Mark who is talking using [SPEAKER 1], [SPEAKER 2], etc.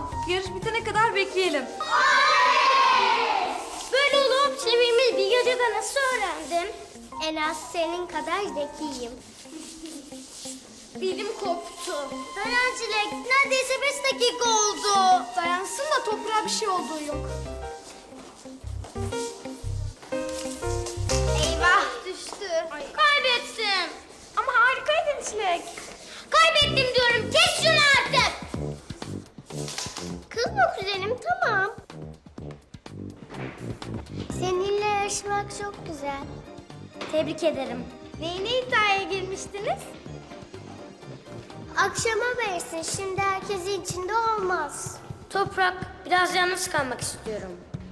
[SPEAKER 1] Tamam, yarış bitene kadar bekleyelim.
[SPEAKER 2] Böyle olup çevirmeyi bir gecede nasıl öğrendin? En az senin kadar zekiyim. Dilim koptu. Dayan Çilek, neredeyse 5 dakika oldu.
[SPEAKER 1] Dayansın da toprağa bir şey olduğu yok.
[SPEAKER 2] Eyvah, düştü. Kaybettim.
[SPEAKER 1] Ama harikaydın Çilek.
[SPEAKER 2] Kaybettim diyorum, kes şunu artık. Kızma kuzenim, tamam. Seninle yarışmak çok güzel. Tebrik ederim. Neyine iddiaya girmiştiniz? Akşama versin, şimdi herkesin içinde olmaz. Toprak, biraz yalnız kalmak istiyorum.